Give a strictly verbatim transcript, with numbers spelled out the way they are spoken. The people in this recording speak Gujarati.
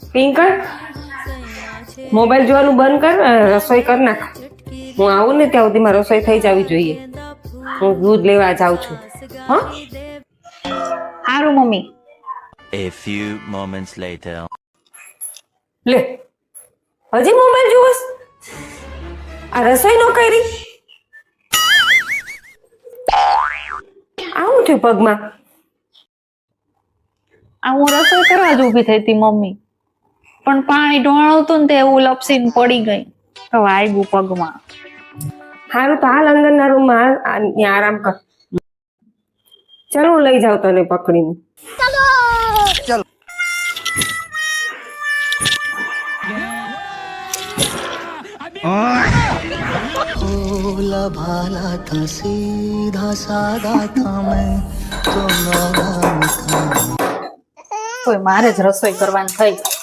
પિંકર મોબાઈલ જોવાનું બંધ કર, રસોઈ કર નાખ. હું આવું ને ત્યાં સુધીમાં રસોઈ થઈ જવી જોઈએ. હું દૂધ લેવા જાઉં છું. હા સારું mummy. A few moments later. લે હજી મોબાઈલ જોવસ? આ રસોઈ નો કરી? આવું થયું પગમાં? આ હું રસોઈ કરવા જ ઊભી થઈ હતી મમ્મી, પણ પાણી ઢોળાવતું ને તે એવું લપસીને પડી ગઈ. તો વાગ્યું પગમાં. સારું તો હાલ અંદરના રૂમમાં હાલ, આ ત્યાં આરામ કર. ચાલ હું લઈ જાઉં તને પકડીને. भोला भाला था सीधा साधा था मैं तो नादान था. તોય મારે જ રસોઈ કરવાની થઈ.